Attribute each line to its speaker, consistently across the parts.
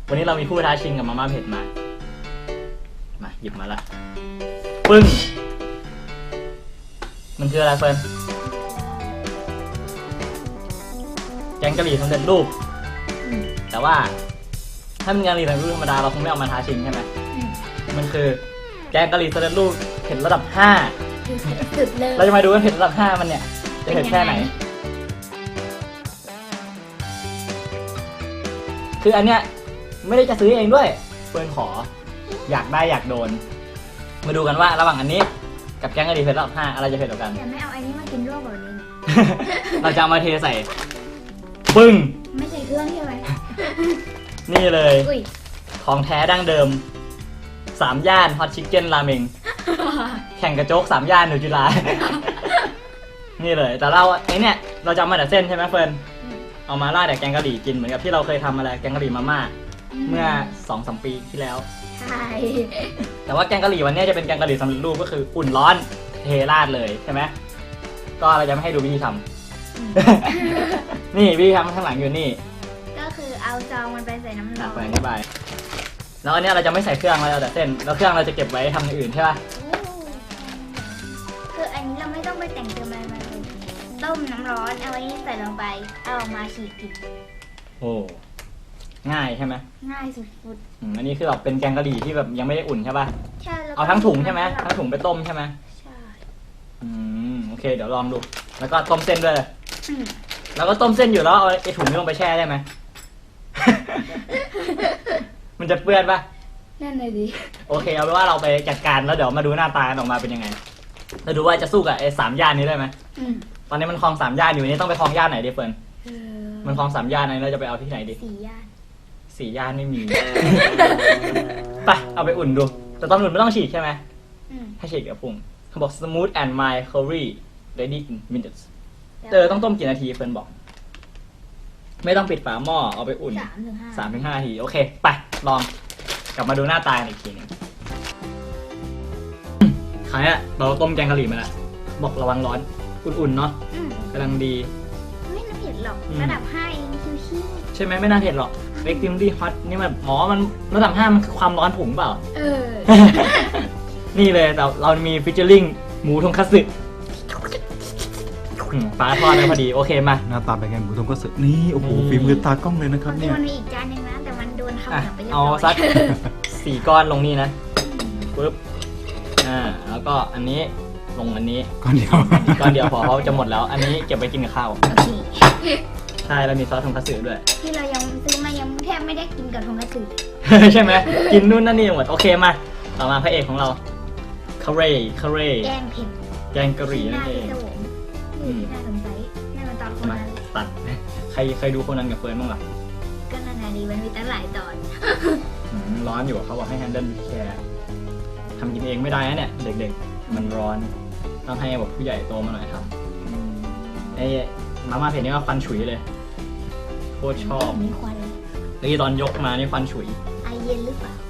Speaker 1: วันนี้เรามีผู้ท้าชิงกับมาม่าเผ็ดมาหยิบมาละปึ้งมันคืออะไรเฟิร์นแกงกะหรี่สำเร็จรูปแต่ว่าถ้าเป็นแกงกะหรี่สำเร็จรูปธรรมดาเราคงไม่เอามาท้าชิงใช่ไหมมันคือแกงกะหรี่สำเร็จรูปเผ็ดระดับ5
Speaker 2: สุดเลย
Speaker 1: เราจะมาดูว่าเผ็ดระดับ5มันเนี่ยจะเผ็ดแค่ไหนคืออันเนี้ยไม่ได้จะซื้อเองด้วยเฟิร์นขออยากได้อยากโดนมาดูกันว่าระหว่างอันนี้กับแกงกะหรี่เผ็ดระดับ5อะไรจะเผ็ดกว่ากัน
Speaker 2: แต่ไม่เอาอันนี้มากินร่วมกับอันนี้
Speaker 1: เราจะเอามาเทใส่ปึ้ง
Speaker 2: ไม่ใส่เครื่องใช่ไหม
Speaker 1: นี่เลย
Speaker 2: อุ้ย
Speaker 1: ของแท้ดั้งเดิม3ย่านฮอตชิคเก้นราเมงแข่งกระโจก3ย่านหนูจุฬา นี่เลยแต่เราไอเนี่ยเราจะเอามาแต่เส้นใช่ไหมเฟิร์นเอามาราดแต่แกงกะหรี่กินเหมือนกับที่เราเคยทำอะไรแกงกะหรี่มาม่าเมื่อ 2-3 ปีที่แล้ว
Speaker 2: ใช่
Speaker 1: แต่ว่าแกงกะหรี่วันนี้จะเป็นแกงกะหรี่สำเร็จรูปก็คืออุ่นร้อนเทราดเลยใช่ไหมก็เราจะไม่ให้ดูวิธีทำ นี่วิธีทำข้างหลังอยู่นี่
Speaker 2: ก็คือเอาซองมันไปใส่น้ำร้อน
Speaker 1: ไปอธิบายแล้วอันนี้เราจะไม่ใส่เครื่องเราเอาแต่เส้นแล้วเครื่องเราจะเก็บไว้ทำอย่างอื่นใช่ป่ะ
Speaker 2: คืออันนี้เราไม่ต้องไปแต่งเติมอะไรมาเลยต้มน้ำร้อนเอาไว้ใส่ลงไปเอาออกมาฉีกกิน
Speaker 1: โอ้ง่ายใช่ไหม
Speaker 2: ง่ายสุด
Speaker 1: อันนี้คือแบบเป็นแกงกะหรี่ที่แบบยังไม่ได้อุ่นใช่ป่ะ
Speaker 2: ๆใช่แล้วก็
Speaker 1: เอาทั้งถุงใช่ไหมทั้งถุงไปต้มใช่ไหม
Speaker 2: ใช่
Speaker 1: โอเคเดี๋ยวลองดูแล้วก็ต้มเส้นด้วย
Speaker 2: อืม
Speaker 1: แล้วก็ต้มเส้นอยู่แล้วเอาไอ้ถุงนี้ลงไปแช่ได้ไหม มันจะเปื้อนป่ะ
Speaker 2: นั่นเลยดิ
Speaker 1: โอเคเอาเป็นว่าเราไปจัดการแล้วเดี๋ยวมาดูหน้าตาออกมาเป็นยังไงเราดูว่าจะสู้กับไอ้3ย่านนี้ได้ไหม
Speaker 2: อืม
Speaker 1: ตอนนี้มันคลอง3ย่านอยู่นี่ต้องไปคลองย่านไหนดีเฟิร์น
Speaker 2: เออ
Speaker 1: มันคลอง3ย่านไหนเราจะไปเอาที่ไหนดี
Speaker 2: 4 ย่าน
Speaker 1: 4ย่านไม่มี ไปเอาไปอุ่นดูแต่ตอนอุ่นไม่ต้องฉีกใช่ไหม
Speaker 2: อืม
Speaker 1: ให้ฉีกกับปรุงเขาบอก smooth and mild curry ready in minutes ต้องต้มกี่นาทีเฟิร์นบอก ไม่ต้องปิดฝาหม้อเอาไปอุ่น
Speaker 2: 3-5
Speaker 1: 3-5 นาทีโอเคไปลองกลับมาดูหน้าตาอีกทีหนึงคราวนี้เราต้มแกงกะหรี่มาแล้วบอกระวังร้อนอุ่นๆเนาะ
Speaker 2: อืม
Speaker 1: กำลังดี
Speaker 2: ไม่น่าเผ็ดหรอกระดับ5เองชิว
Speaker 1: ใช่ไหมไม่น่าเผ็ดหรอก extremely hot นี่มันมันระดับ5มันคือความร้อนผงเปล่า
Speaker 2: ๆเออ
Speaker 1: นี่เลยแต่เรามีฟิชเชอร์ลิงหมูทงคัตสึปลาทอดได้พอดีโอเคมา
Speaker 3: หน้าตาเป็นไงหมูทงก็สึนี่โอ้โหฝีมือตากล้องเลยนะครับเนี่ย
Speaker 2: มันมีอีกจานหนึงนะแต่มันโดนคำ
Speaker 1: อ่ะ
Speaker 2: หนักไปเรียบ
Speaker 1: เอา
Speaker 2: ร้อย
Speaker 1: สัก 4 ก้อนลงนี่นะปึ๊บแล้วก็อันนี้ลงอันนี้
Speaker 3: ก่อนเดียว
Speaker 1: ก้อนเดียวพอเขาจะหมดแล้ว อันนี้เก็บไว้กินกับข้าว
Speaker 2: โอเค
Speaker 1: ใช่แล้วมีซอสทงคัตสึด้วย
Speaker 2: ที่เรายังซื้อมายังแทบไม่ได้กินกับทงกระสื
Speaker 1: ใช่ไหมกินนู่นนั่นนี่หมดโอเคมาต่อมาพระเอกของเราคาเร่
Speaker 2: แกงเผ็ด
Speaker 1: แกงกะหรี่นั่นเอง
Speaker 2: น่าพิศวงนี่น่าสงสัยน่ามาตอนคน
Speaker 1: มา
Speaker 2: นั้น
Speaker 1: ตัดใครดูคนนั้นกับเฟิร์นบ้างล่ะ
Speaker 2: ก็นานาดีมันมีตั้งหลายตอน
Speaker 1: ร้อนอยู่เขาบอกให้แฮนเดิลวิธีแคร์ทำกินเองไม่ได้นะเนี่ยเด็กๆมันร้อนต้องให้แบบผู้ใหญ่โตมาหน่อยทำไอ้มาม่าเผ็ดนี่ก็ควันฉุยเลยโคตรชอบ
Speaker 2: มีควันเลย
Speaker 1: นี่ตอนยกมานี่ควันฉุย
Speaker 2: ไอเย็นหรือเปล่า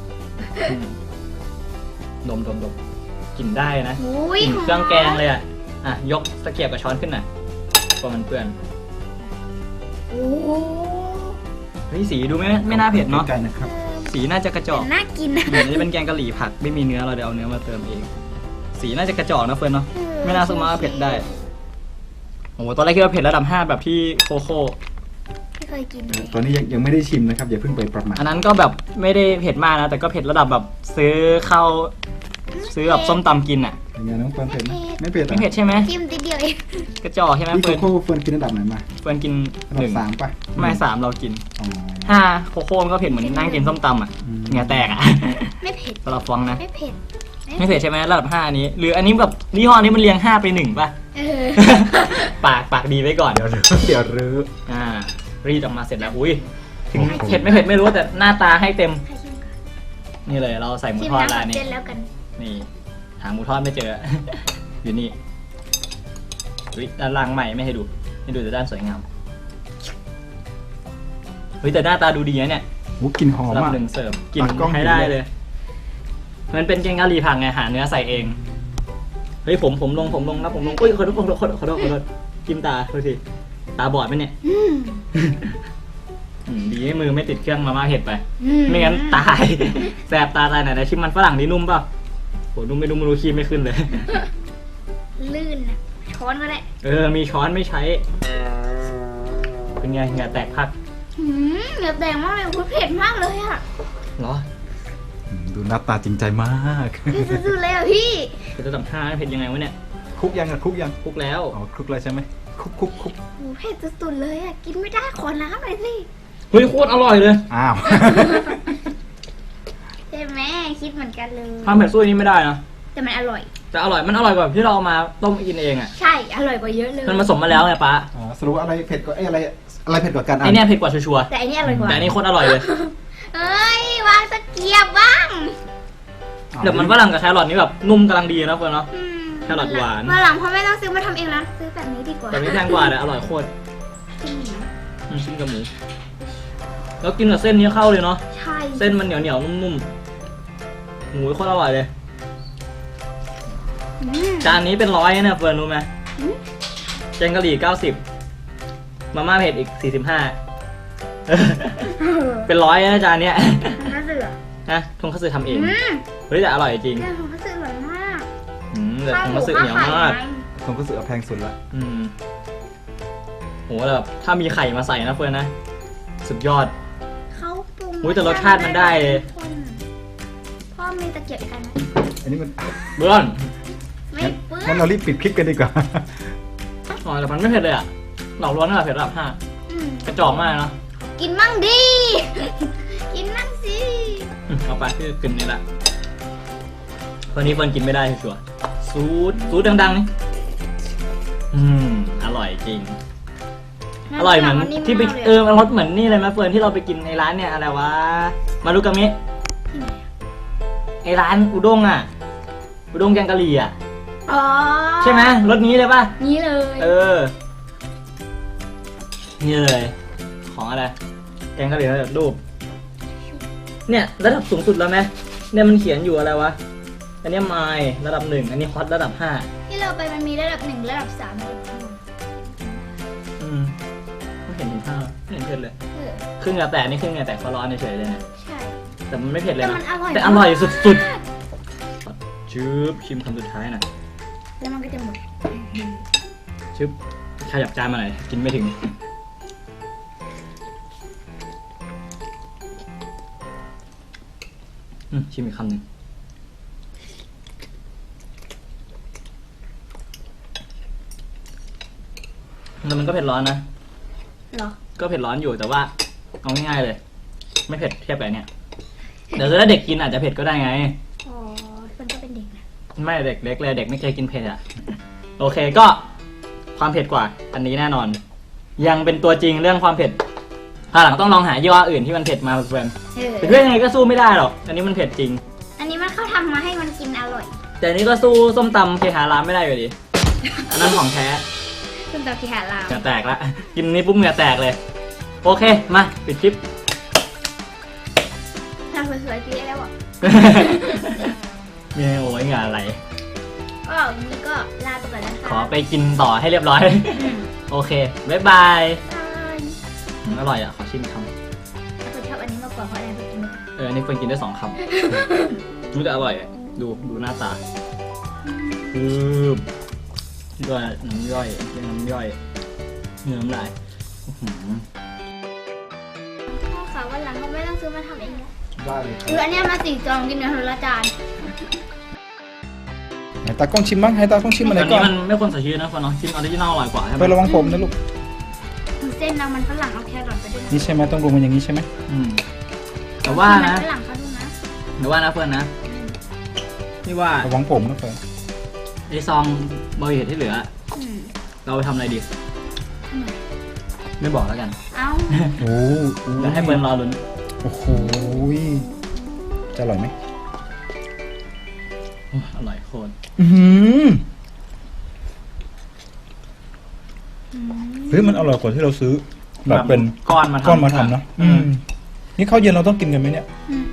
Speaker 1: ดมกินได้นะ
Speaker 2: อุ้ย
Speaker 1: กลิ่นเครื่องแกงเลยอ่ะยกตะเกียบกับช้อนขึ้นหน่อยกลัวมันเปื้อน
Speaker 2: โอ้โห
Speaker 1: เฮ้ยสีดูไม่น่าเผ็ดเนาะ
Speaker 3: ไก่นะครับ
Speaker 1: สีน่าจะกระจอก
Speaker 2: แต่น่ากินนะ
Speaker 1: เดี๋ยวนี้เป็นแกงกะหรี่ผักไม่มีเนื้อเราเดี๋ยวเอาเนื้อมาเติมเอง สีน่าจะกระจอกนะเฟิร์นเนาะไม่น่าสู้มาเผ็ดได้โอ้โหตอนแรกคิดว่าเผ็ดระดับ5แบบที่โคโค่
Speaker 2: ไม่เคยกินเลย
Speaker 3: ตอนนี้ยังไม่ได้ชิมนะครับอย่าเพิ่งไปประมาท
Speaker 1: อันนั้นก็แบบไม่ได้เผ็ดมากนะแต่ก็เผ็ดระดับแบบซื้อข้าวซื้อแบบส้มตำกินอ่ะ
Speaker 3: เป็นไงน้องเฟิร์นเผ็ดไหมไม่เผ็ด
Speaker 1: ไม่เผ็ดใช่ไหม
Speaker 2: จิ้มติดเดียวเอง
Speaker 1: กระจอกใช่ไหม
Speaker 3: พี่โค
Speaker 1: เฟิร์น
Speaker 3: โค่เฟิร์นกินระดับไหนมา
Speaker 1: เฟิร์นกิน
Speaker 3: ระดับ
Speaker 1: 1
Speaker 3: 3ป่ะ
Speaker 1: ไม่3เรากิน
Speaker 3: อ๋อ
Speaker 1: 5โคโค่มันก็เผ็ดเหมือนนั่งกินส้มตำอ่ะ
Speaker 3: อืม
Speaker 1: เหงื่อแตกอ่ะ
Speaker 2: ไม่เผ็ด
Speaker 1: สำหรับฟองนะ
Speaker 2: ไม่เผ็ด
Speaker 1: ไม่เผ็ดใช่ไหมระดับ5อันนี้ หรืออันนี้แบบยี่ห้อนี้มันเรียง5ไป1ป่ะ
Speaker 2: เออ
Speaker 1: ปากดีไว้ก่อน
Speaker 3: เดี๋ยวรื้อ
Speaker 1: รีดออกมาเสร็จแล้วอุ้ยถึงเผ็ดไม่เผ็ดไม่รู้แต่หน้าตาให้เต็ม
Speaker 2: ให้ชิมก่อน
Speaker 1: นี่เลยเราใส่หมู
Speaker 2: ชิม
Speaker 1: ทอด
Speaker 2: น้ำ
Speaker 1: ร้า
Speaker 2: กับ
Speaker 1: นนี้
Speaker 2: เส้นแล้วกัน
Speaker 1: นี่หาหมูทอดไม่เจอ อยู่นี่อุ้ยด้านล่างใหม่ไม่ให้ดูแต่ด้านสวยงามเฮ้ยแต่หน้าตาดูดีนะเนี่ย
Speaker 3: หูกลิ่นหอม
Speaker 1: รับ
Speaker 3: อ่ะ
Speaker 1: หนึ่งเสิร์ฟกลิ่น
Speaker 3: ตากล้อง
Speaker 1: ใช้ได้
Speaker 3: ดีเลย
Speaker 1: เลย มันเป็นแกงกะหรี่ผักไงหาเนื้อใส่เองเฮ้ยผมลงนะผมลงอุ้ยขอโทษจิ้มตาโทษทีตาบอดไหมเนี่ย
Speaker 2: อืม
Speaker 1: ดีให้มือไม่ติดเครื่องมาม่าเผ็ดไป
Speaker 2: อื
Speaker 1: ไม่งั้นตาย แสบตาตายไหนๆชิมมันฝรั่งนี่นุ่มเปล่าโหนุ่มไม่รู้คีบไม่ขึ้นเลย
Speaker 2: ลื่นนะช้อนก็ได้
Speaker 1: มีช้อนไม่ใช้ เป็นไงเหงื่อแตกพัก
Speaker 2: เหงื่อแดงมากเลยคุณเผ็ดมากเลยอ่ะ
Speaker 1: เหรอ
Speaker 3: ดูหน้าตาจริงใจมาก
Speaker 2: เผ็ดสุดๆเลยอ่ะพี่
Speaker 1: เป็นระดับ5เผ็ดยังไงวะเนี่ย
Speaker 3: คุกยังอะคุกยัง
Speaker 1: คลุกแล้ว
Speaker 3: อ๋อคุกเลยใช่ไหมคุก
Speaker 2: โอ้โหเผ็ดสุดๆเลยอ่ะกินไม่ได้ขอน้ำหน่อยสิ
Speaker 1: เฮ้ยโคตรอร่อยเลย
Speaker 3: อ้าว
Speaker 2: ใช่ไหมคิดเหมือนกันเลย
Speaker 1: ความเผ็ดสู้อันนี้ไม่ได้นะ
Speaker 2: แต่มันอร่อย
Speaker 1: แต่อร่อยมันอร่อยกว่าที่เราเอามาต้มกินเองอ่ะ
Speaker 2: ใช่อร่อยกว่าเยอะเลย
Speaker 1: มันผสมมาแล้วไงป้า
Speaker 3: อ๋อสรุปว่าอะไรเผ็ดกว่าอะไรเผ็ดกว่ากัน
Speaker 1: ไอเนี่ยเผ็ดกว่าชัวร์
Speaker 2: แต่อันนี้อร่อยก
Speaker 1: ๆ
Speaker 2: ว่า
Speaker 1: แต่อันนี้โคตรอร่อยเลย
Speaker 2: เอ้ยวางตะเกียบบ้าง
Speaker 1: เดี๋ยวมันฝรั่งกับแครอทนี่แบบนุ่มกำลังดีนะเพื่อนเนาะ แครอทหวาน
Speaker 2: มาหลังพ่อไม่ต้องซื้อมาทำเองแล้วซื้อแบบนี้ดีกว่า
Speaker 1: แต่นี้แพงกว่าแต่อร่อยโคตร
Speaker 2: จริงเหรอ
Speaker 1: ชิ้นกับหมูแล้วกินกับเส้นนี้เข้าเลยเนาะ
Speaker 2: ใช่
Speaker 1: เส้นมันเหนียวๆนุ่มๆหมูโคตรอร่อยเลย
Speaker 2: อืม
Speaker 1: จานนี้เป็น100เนี่ยเฟิร์นรู้ไหม
Speaker 2: อืม
Speaker 1: แกงกะหรี่90มาม่าเผ็ดอีก45เป็น100นะจานเนี้ย
Speaker 2: มันก็เสือ
Speaker 1: นะทงคัตสึทำเอง
Speaker 2: อืม
Speaker 1: เฮ้ยแต่อร่อยจริง
Speaker 2: เรื่องของก็เสืออร่อยมาก
Speaker 1: แต่ทงคัตสึเหนียวมาก
Speaker 3: ผมก็รู้สึกว่าแพงสุดละ
Speaker 1: โหแบบถ้ามีไข่มาใส่นะเฟิร์นนะ สุดยอด
Speaker 2: เขาปรุง
Speaker 1: อุ๊ยแต่รสชาติมันได้เลย
Speaker 2: พ่อมีตะเกียบอีกอันไหม
Speaker 3: อันนี้มัน
Speaker 1: เบื้อน
Speaker 2: ไม่เปื้อ
Speaker 3: งั้น
Speaker 2: น
Speaker 3: เรารีบปิดคลิปกันดีกว่า
Speaker 1: อ๋อแต่มันไม่เผ็ดเลยอะหลอกลวงนั่นแหละเผ็ดระดับ
Speaker 2: อืม
Speaker 1: 5กระจอกมากเนาะ
Speaker 2: กินมั่งดิ กินมั่งสิ
Speaker 1: เอาไปที่กินนี่แหละวันนี้เฟิร์นกินไม่ได้ชัวร์ๆซูดดังๆนี่อร่อยจริง อร่อยเหมือนที่ไปมันรสเหมือนนี่เลยไหมเฟิร์นที่เราไปกินในร้านเนี่ยอะไรวะมารุกามิ
Speaker 2: ที่ไหนอะ
Speaker 1: ไอร้านอุด้งอ่ะอุด้งแกงกะหรี่อ่ะ
Speaker 2: อ๋อ
Speaker 1: ใช่ไหมรสนี้เลยป่ะ
Speaker 2: นี่เลย
Speaker 1: นี่เลย ของอะไรแกงกะหรี่ระดับรูปเนี่ยระดับสูงสุดแล้วไหมเนี่ยมันเขียนอยู่อะไรวะอันนี้ไมล์ระดับ1อันนี้ฮอตระดับ5
Speaker 2: ที่เราไปมันมีระดับ1ระดับ3ระดับ
Speaker 1: ไม่เห็นถึง5ไม่เห็นเผ็ดเลย
Speaker 2: 5เออ
Speaker 1: ครึ่งเหงาแตกนี่ครึ่งเหงาแตกเพราะร้อนเฉยๆเลยเนี่ย
Speaker 2: ใช่
Speaker 1: แต่มันไม่เผ็ดเลย
Speaker 2: แต่
Speaker 1: นะ
Speaker 2: มันอร่อย
Speaker 1: แต่อร่อยสุด
Speaker 2: มาก
Speaker 1: ๆชืบชิมคำสุดท้ายหน่อย
Speaker 2: แล้วมันก็จะหมด
Speaker 1: ชึบขยับจานมาหน่อยกินไม่ถึงชิมอีกคำหนึ่งแต่มันก็เผ็ดร้อนนะ
Speaker 2: เหรอ
Speaker 1: ก็เผ็ดร้อนอยู่แต่ว่าเอาง่ายๆเลย ไม่เผ็ดเทียบกับเนี่ยเดี๋ยวถ้าเด็กกินอาจจะเผ็ดก็ได้ไง
Speaker 2: อ๋อมันก็เป็นเด็กนะ
Speaker 1: ไม่เด็กเล็กเลยเด็กไม่เคยกินเผ็ดอ่ะ โอเคก็ความเผ็ดกว่าอันนี้แน่นอน ยังเป็นตัวจริงเรื่องความเผ็ดหลังต้องลองหายี่ห้ออื่นที่มันเผ็ดมาเพื่อน
Speaker 2: เออ
Speaker 1: แต่เพื่อนยังไงก็สู้ไม่ได้หรอกอันนี้มันเผ็ดจริง
Speaker 2: อันนี้มันเขาทำมาให้มันกินอร่อย
Speaker 1: แต่อันนี้ก็สู้ส้มตำเคหารามไม่ได้อยู่ดีอันนั้นของแท้
Speaker 2: คุณตาที่หาลาว
Speaker 1: เหงื่อแตกละกินนี้ปุ๊บเหงื่อแตกเลย โอเคมาปิดคลิป
Speaker 2: ทำสวยๆพี่ได้แล้วอ่ะ
Speaker 1: มีโอ้ยเหงื่ออะไร
Speaker 2: ก็วันนี้ก็ลาไปก่อนนะคะ
Speaker 1: ขอไปกินต่อให้เรียบร้อย
Speaker 2: อืม
Speaker 1: โอเคบ๊ายบาย
Speaker 2: บาย
Speaker 1: อร่อยอ่ะขอชิมคำ
Speaker 2: คุณชอบอันนี้มากกว่าเพราะอะไรคุณกินไม่ได้
Speaker 1: อันนี้เฟิร์นกินได้2 คำ รู้แต่อร่อยอะดูหน้าตาด้วยน้ำย่อยเรียกน้ำย่อยเนื้อน้ำลายอื้อหือ
Speaker 2: พ่อคะวันหลังเขาไม่ต้องซื้อมาทำเองแล้ว
Speaker 3: ได้เลย
Speaker 2: คืออันเนี้ยมา4จองกินกันคนละจาน
Speaker 3: ไหนตากล้องชิมบ้างให้ตากล้องชิมมาไหน
Speaker 1: อัน
Speaker 3: ก่
Speaker 1: นี้
Speaker 3: อน
Speaker 1: มันไม่ควรใส่ชีสนะเฟิร์นเนาะชิ้นออริจินอลอร่อยกว่าใช่ไหม
Speaker 3: ไประวังผมนะลูก
Speaker 2: คือเส้นเรามันฝรั่งเอาแครอทไปด้วยนะ
Speaker 3: นี่ใช่ไหมต้องรวมมันอย่างนี้ใช่ไหม
Speaker 1: แต่ว่านะ
Speaker 2: ฝรั่งเขาดูนะ
Speaker 1: แต่ว่านะเฟิร์นนะนี่ว่า
Speaker 3: ระวังผมนะเฟิร์น
Speaker 1: ไอซองบริเวณที่เหลือ
Speaker 2: อืม
Speaker 1: เราไปทำอะไรดี
Speaker 2: ทำไม
Speaker 1: ไม่บอกแล้วกัน
Speaker 2: เอ้า
Speaker 3: โอ้โห
Speaker 1: เดี๋ยวให้เฟิร์นรอลุ้น
Speaker 3: โอ้โหจะอร่อยไหม
Speaker 1: โอ้อร่อยโคตร
Speaker 3: อือเฮ้ยมันอร่อยกว่าที่เราซื้อแบบเป็น
Speaker 1: ก้อนมาทำ
Speaker 3: ก้อนมาทำเนาะนี่ข้าวเย็นเราต้องกินกันไหมเนี่ย
Speaker 2: อืม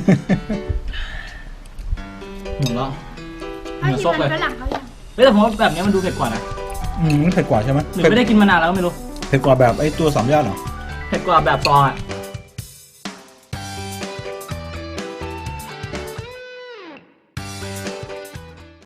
Speaker 1: หนุ่มแล้ว
Speaker 2: ถ้า
Speaker 1: เหมือน
Speaker 2: กิน
Speaker 1: ซก
Speaker 2: มั
Speaker 1: เลย
Speaker 2: นฝรั่งเขายัง
Speaker 1: แต่ผมว่าแบบนี้มันดูเผ็ดกว่านะ
Speaker 3: มันเผ็ดกว่าใช่ไหม
Speaker 1: หรือไม่ได้กินมานานแล้วก็ไม่รู้
Speaker 3: เผ็ดกว่าแบบไอ้ตัวสามย่านเหรอ
Speaker 1: เผ็ดกว่าแบบซองอ่ะ